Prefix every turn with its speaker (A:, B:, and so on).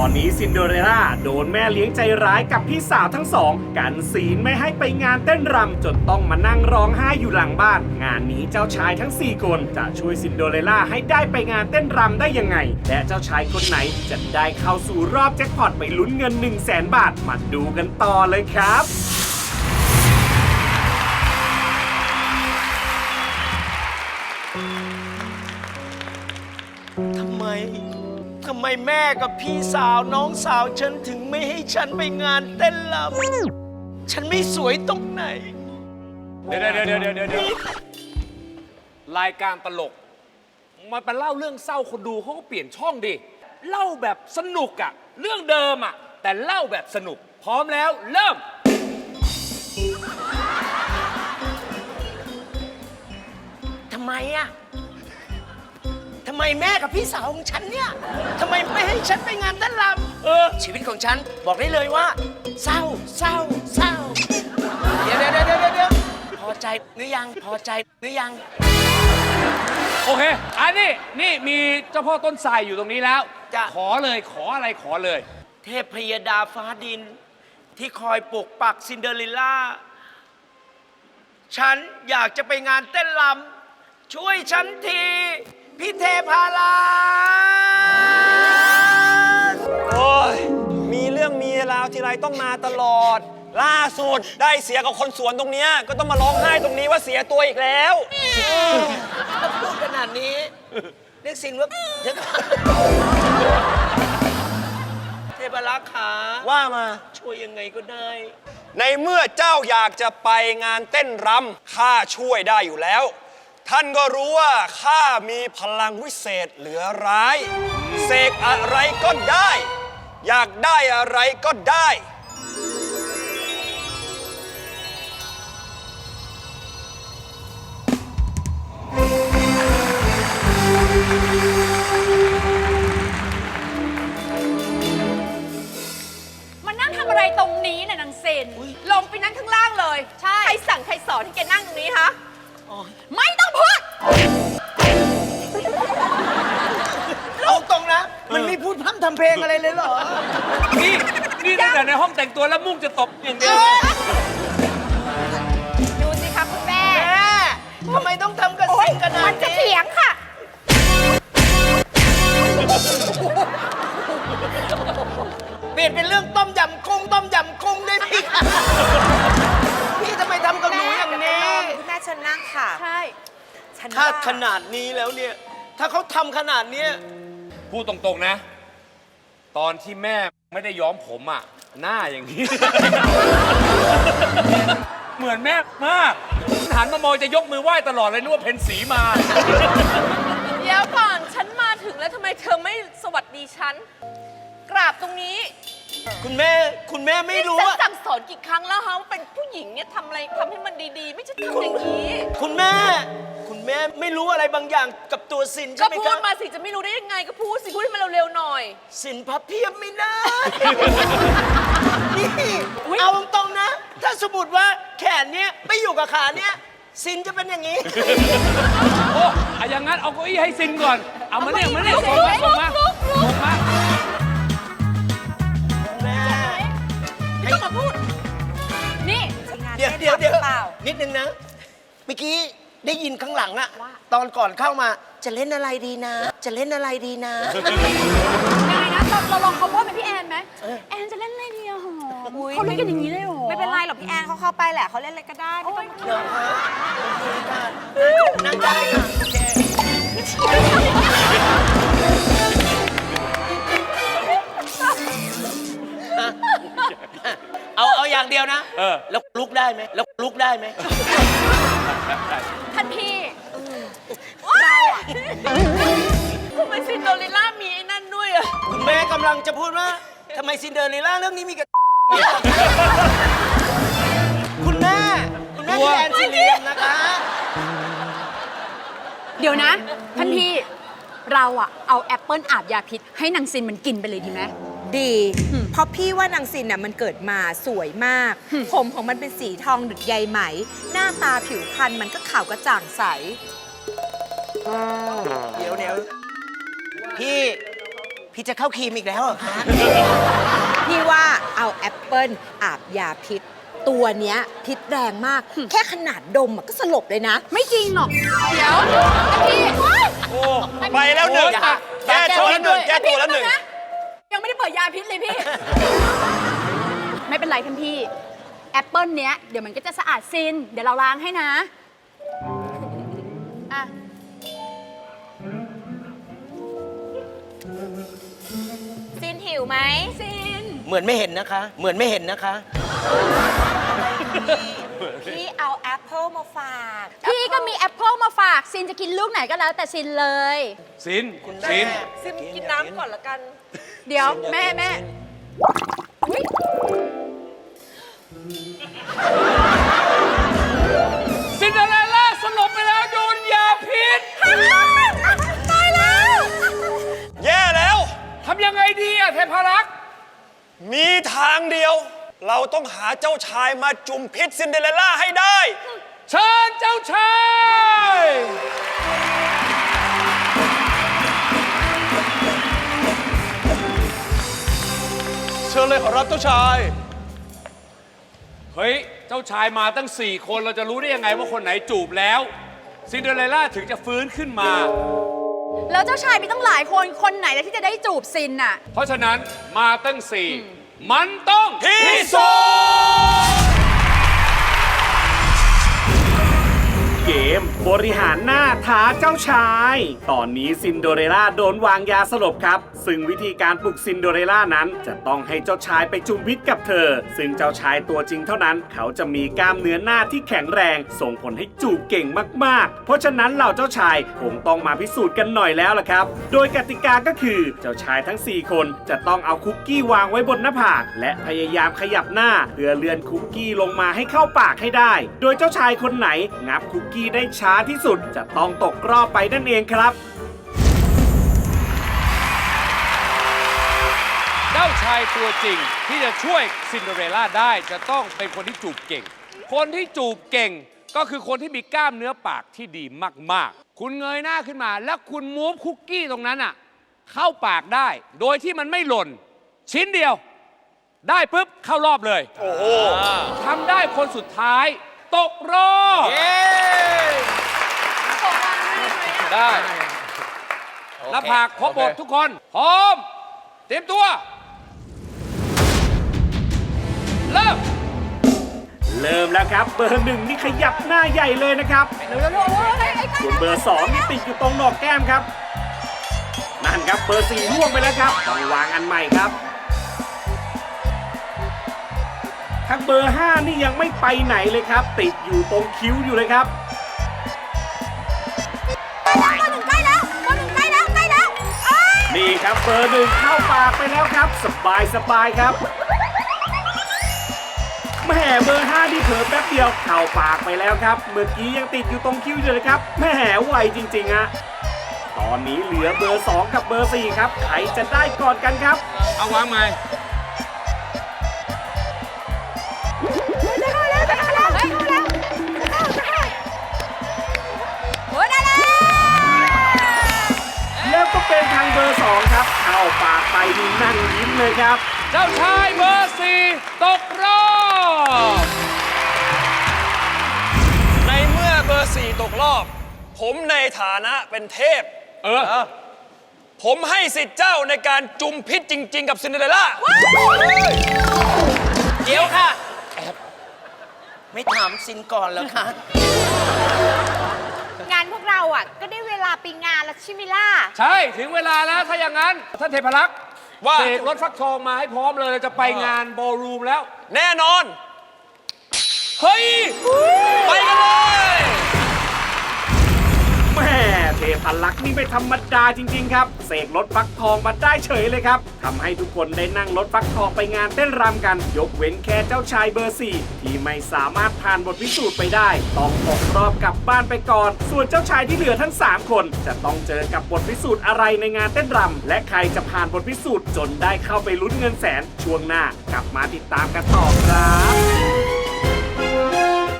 A: อนนี้ซินเดอเรลล่าโดนแม่เลี้ยงใจร้ายกับพี่สาวทั้งสองกันศีลไม่ให้ไปงานเต้นรำจนต้องมานั่งร้องไห้อยู่หลังบ้านงานนี้เจ้าชายทั้ง4คนจะช่วยซินเดอเรลล่าให้ได้ไปงานเต้นรำได้ยังไงและเจ้าชายคนไหนจะได้เข้าสู่รอบแจ็คพอตไปลุ้นเงิน 100,000 บาทมาดูกันต่อเลยครับ
B: ทำไมแม่กับพี่สาวน้องสาวฉันถึงไม่ให้ฉันไปงานเต้นรำฉันไม่สวยตรงไหน
C: เดี๋ยวรายการตลกมันไปเล่าเรื่องเศร้าคนดูเขาก็เปลี่ยนช่องดิเล่าแบบสนุกอะเรื่องเดิมอะแต่เล่าแบบสนุกพร้อมแล้วเริ่ม
B: ทำไมแม่กับพี่สาวของฉันเนี่ยทำไมไม่ให้ฉันไปงานเต้นรำชีวิตของฉันบอกได้เลยว่าเศร้าเดี๋ยวพอใจหรือยังพอใจหรือยัง
C: โอเคอันนี้นี่มีเจ้าพ่อต้นไทรอยู่ตรงนี้แล้ว
B: จะ
C: ขอเลยขออะไรขอเลย
B: เทพพยดาฟ้าดินที่คอยปกปักซินเดอเรลล่าฉันอยากจะไปงานเต้นรำช่วยฉันทีพี่เทพารา
D: โอ้ยมีเรื่องมีราวทีไรต้องมาตลอดล่าสุดได้เสียกับคนสวนตรงเนี้ยก็ต้องมาร้องไห้ตรงนี้ว่าเสียตัวอีกแล้ว
B: พูดขนาดนี้เรียกสินว่าเทพาราขา
D: ว่ามา
B: ช่วยยังไงก็ได้
D: ในเมื่อเจ้าอยากจะไปงานเต้นรำข้าช่วยได้อยู่แล้วท่านก็รู้ว่าข้ามีพลังวิเศษเหลือร้ายเสกอะไรก็ได้อยากได้อะไรก็ได้
E: มานั่งทำอะไรตรงนี้น่ะนางเซนลงไปนั่งข้างล่างเลยใช่ใครสั่งใครสอนให้แกนั่งตรงนี้คะไม่ต้องพูด
B: เอาตรงนะมันไม่พูดพร่ำทำเพลงอะไรเลยเหรอ
C: นี่ตั้งแต่ในห้องแต่งตัวแล้วมุ่งจะตบอย่างเดียว
E: ดูสิคะคุณแม่
B: ทำไมต้องทำกันสิ่งขนาดนี้
E: มันจะเถียงค่ะ
B: เปลี่ยนเป็นเรื่องต้มยำกุ้งได้ไหมคะพี่ทำไมทำกับหนูอย่างนี้
E: คุณแม่เชิญนั่งค่ะใช่
B: ถ้าขนาดนี้แล้วเนี่ยถ้าเขาทำขนาดนี้
C: พูดตรงๆนะตอนที่แม่ไม่ได้ย้อมผมอ่ะหน้าอย่างนี้ เหมือนแม่มากหันมามองจะยกมือไหว้ตลอดเลยนึกว่าเพ็ญศรีมา
E: เดี๋ยวก่อนฉันมาถึงแล้วทำไมเธอไม่สวัสดีฉันกราบตรงนี้
B: คุณแม่ไม่รู้
E: ว่าสั่งสอนกี่ครั้งแล้วฮะว่าเป็นผู้หญิงเนี่ยทำอะไรทำให้มันดีๆไม่ใช่ทำอย่างนี้
B: คุณแม่ไม่รู้อะไรบางอย่างกับตัวสินใช่ไหมครับ
E: ก็พูดมาสิจะไม่รู้ได้ยังไงก็พูดสิพูดให้มันเร็วๆหน่อย
B: สินพับเพียบไม่ได้นี่เอาตรงๆนะถ้าสมมติว่าแขนเนี้ยไม่อยู่กับขาเนี้ยสินจะเป็นอย่างนี้
C: โอ้อย่างงั้นเอาเก้าอี้ให้สินก่อนเอามาเนี่ยส่งมา
E: ไม่ต้องมาพูดนี่
B: เดี๋ยวนิดนึงนะเมื่อกี้ได้ยินข้างหลังอะตอนก่อนเข้ามาจะเล่นอะไรดีนะ
E: ยังไงนะเราลองเขาพูดเป็นพี่แอนไหมแอนจะเล่นอะไรดีอะหรอเขาเล่นกันอย่างนี้เลยหรอไม่เป็นไรหรอกพี่แอนเขาเข้าไปแหละเขาเล่นอะไรก็ได้ไม่ต้อง
B: เดี๋ยวฮะนั่งได้ค่ะเอาอย่างเดียวนะแล้วลุกได้ไหม
E: ท่านพี่เราอะทำไมซินเดอเรลล่ามีไอ้นั่นด้วยอะ
B: คุณแม่กำลังจะพูดว่าทำไมซินเดอเรลล่าเรื่องนี้มีกับคุณแม่แอนซิเลียมนะคะ
E: เดี๋ยวนะท่านพี่เราอะเอาแอปเปิ้ลอาบยาพิษให้นางซินมันกินไปเลยดีไหม
F: ดีเพราะพี่ว่านางซินน่ะมันเกิดมาสวยมากผมของมันเป็นสีทองดุจใยไหมหน้าตาผิวพรรณมันก็ขาวกระจ่างใส
B: เดี๋ยวพี่พี่จะเข้าครีมอีกแล้วเหรอคะ
F: พี่ว่าเอาแอปเปิลอาบยาพิษ ตัวเนี้ยพิษแรงมาก แค่ขนาดดมอะก็สลบเลยนะ
E: ไม่จริงหรอก เดี๋ยวพี่
D: โอ้ไปแล้วหนึ่งแก้ตัวแล้วหนึ่งแก้ตัวแล้วหนึ่ง
E: ยังไม่ได้เปิดยาพิษเลยพี่ ไม่เป็นไรท่านพี่ แอปเปิลเนี้ยเดี๋ยวมันก็จะสะอาดซิน เดี๋ยวเราล้างให้นะอ่ะ
F: ซินหิวไหม
E: ซิน
B: เหมือนไม่เห็นนะคะ เหมือนไม่เห็นนะคะ
F: พี่เอาแอปเปิลมาฝาก
E: พี่ก็มีแอปเปิลมาฝาก ซินจะกินลูกไหนก็แล้วแต่ซินเลย
C: สิน
B: สิน
F: ซินกินน้ำก่อนละกัน
E: เดี๋ยวแม่อุ๊ย
C: ซินเดอเรลล่าสลบไปแล้วโดนยาพิษ
E: ตายแล้ว
D: แย่แล้ว
C: ทำยังไงดีอะเทพารักษ์
D: มีทางเดียว เราต้องหาเจ้าชายมาจุ่มพิษซินเดอเรลล่าให้ได้
C: เชิญเจ้าชาย
D: เชิญเลยขอรับเจ้าชาย
C: เฮ้ย เจ้าชายมาตั้ง 4 คนเราจะรู้ได้ยังไงว่าคนไหนจูบแล้ว ซินเดอเรลล่าถึงจะฟื้นขึ้นมา
E: แล้วเจ้าชายมีต้องหลายคน คนไหนแล้วที่จะได้จูบซินน่ะ
C: เพราะฉะนั้นมาตั้ง 4 มันต้อง
D: พิสูจน์
A: เกมบริหารหน้าท้าเจ้าชาย ตอนนี้ซินโดเรลล่าโดนวางยาสลบครับ ซึ่งวิธีการปลุกซินโดเรลล่านั้น จะต้องให้เจ้าชายไปจุ่มพิษกับเธอ ซึ่งเจ้าชายตัวจริงเท่านั้น เขาจะมีกล้ามเนื้อหน้าที่แข็งแรง ส่งผลให้จูบเก่งมากๆ เพราะฉะนั้นเหล่าเจ้าชายคงต้องมาพิสูจน์กันหน่อยแล้วล่ะครับ โดยกติกาก็คือเจ้าชายทั้ง 4 คนจะต้องเอาคุกกี้วางไว้บนหน้าผากและพยายามขยับหน้าเพื่อเลื่อนคุกกี้ลงมาให้เข้าปากให้ได้ โดยเจ้าชายคนไหนงับคุกกี้ได้ช้าที่สุดจะต้องตกรอบไปนั่นเองครับ
C: เจ้าชายตัวจริงที่จะช่วยซินเดอเรลล่าได้จะต้องเป็นคนที่จูบเก่ง คนที่จูบเก่งก็คือคนที่มีกล้ามเนื้อปากที่ดีมากๆ คุณเงยหน้าขึ้นมาแล้วคุณมูฟคุกกี้ตรงนั้นอ่ะเข้าปากได้ โดยที่มันไม่หล่น ชิ้นเดียว ได้ปุ๊บเข้ารอบเลย
D: โอ้โห
C: ทำได้คนสุดท้ายตกรอบ
B: เย้
C: ได้หน้าผากครบหมดทุกคน พร้อม เตรียมตัว เริ่ม
A: เริ่มแล้วครับเบอร์ 1นี่ขยับหน้าใหญ่เลยนะครับส่วนเบอร์ 2นี่ติดอยู่ตรงหนอกแก้มครับนั่นครับเบอร์ 4ล่วงไปแล้วครับต้องวางอันใหม่ครับทั้งเบอร์ 5นี่ยังไม่ไปไหนเลยครับ ติดอยู่ตรงคิ้วอยู่เลยครับนี่ครับเบอร์ 1เข้าปากไปแล้วครับสบายครับแหม่เบอร์ 5ที่เผลอแป๊บเดียวเข้าปากไปแล้วครับเมื่อกี้ยังติดอยู่ตรงคิ้วอยู่เลยครับแหม่ไวจริงๆอะตอนนี้เหลือเบอร์ 2 กับเบอร์ 4ครับใครจะได้ก่อนกันครับ
C: เอาวางใหม่
A: แล้วก็เป็นทางเบอร์ 2ครับเข้าปากไปนี่นั่งยิ้มเลยครับ
C: เจ้าชายเบอร์ 4 ตกรอบ
D: ในเมื่อเบอร์ 4 ตกรอบ ผมในฐานะเป็นเทพ ผมให้สิทธิ์เจ้าในการจุมพิษจริง ๆ กับซินเดอเรลล่า
B: เดี๋ยวค่ะ ไม่ถามซินก่อนเหรอคะ
F: งานพวกเราอ่ะ ก็ได้เวลาไปงานแล้วใช่ไหมล่ะ
C: ใช่ ถึงเวลาแล้วถ้าอย่างนั้น ท่านเทพรักษ์
D: ว่า
C: เสกรถฟักทองมาให้พร้อมเลยจะไปงานบอลรูมแล้ว
D: แน่นอน
C: เฮ้ย
D: ไปกันเลย
A: แม่เทพลักษณ์นี่ไม่ธรรมดาจริงๆครับเสกรถฟักทองมาได้เฉยเลยครับทำให้ทุกคนได้นั่งรถฟักทองไปงานเต้นรำกัน ยกเว้นแค่เจ้าชายเบอร์ 4 ที่ไม่สามารถผ่านบทพิสูจน์ไปได้ต้องตกรอบกลับบ้านไปก่อน ส่วนเจ้าชายที่เหลือทั้ง 3 คนจะต้องเจอกับบทพิสูจน์อะไรในงานเต้นรำและใครจะผ่านบทพิสูจน์จนได้เข้าไปลุ้นเงินแสนช่วงหน้ากลับมาติดตามกันต่อครับ